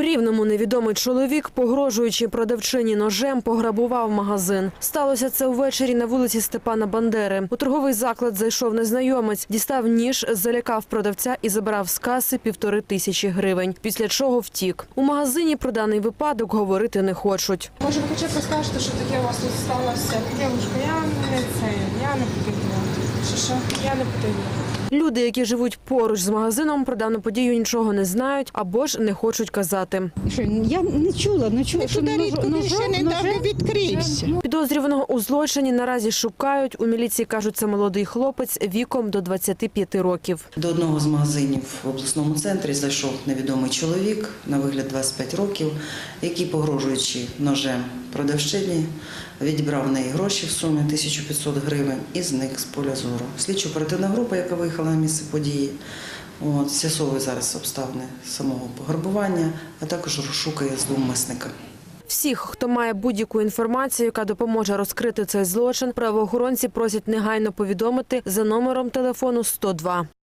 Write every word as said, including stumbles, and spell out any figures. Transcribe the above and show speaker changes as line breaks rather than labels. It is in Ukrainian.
У Рівному невідомий чоловік, погрожуючи продавчині ножем, пограбував магазин. Сталося це увечері на вулиці Степана Бандери. У торговий заклад зайшов незнайомець, дістав ніж, залякав продавця і забрав з каси півтори тисячі гривень, після чого втік. У магазині про даний випадок говорити не хочуть.
Може, ви хоча б розкажете, що таке у вас тут сталося? Дівчинка, я не це, я не потрібна. Що, що? Я не потрібна.
Люди, які живуть поруч з магазином, про дану подію нічого не знають або ж не хочуть казати.
Що, я не чула, не чула, що
Туди рідко
ножом-
ще не
ножем-
давно відкрився.
Підозрюваного у злочині наразі шукають. У міліції кажуть, це молодий хлопець віком до двадцяти п'яти років.
До одного з магазинів в обласному центрі зайшов невідомий чоловік, на вигляд двадцять п'ять років, який, погрожуючи ножем продавчині, відібрав в неї гроші в сумі тисячу п'ятсот гривень і зник з поля зору. Слідчо-оперативна група, яка виїхала на місце події, от, з'ясовує зараз обставини самого пограбування, а також розшукує зловмисника.
Всіх, хто має будь-яку інформацію, яка допоможе розкрити цей злочин, правоохоронці просять негайно повідомити за номером телефону сто два.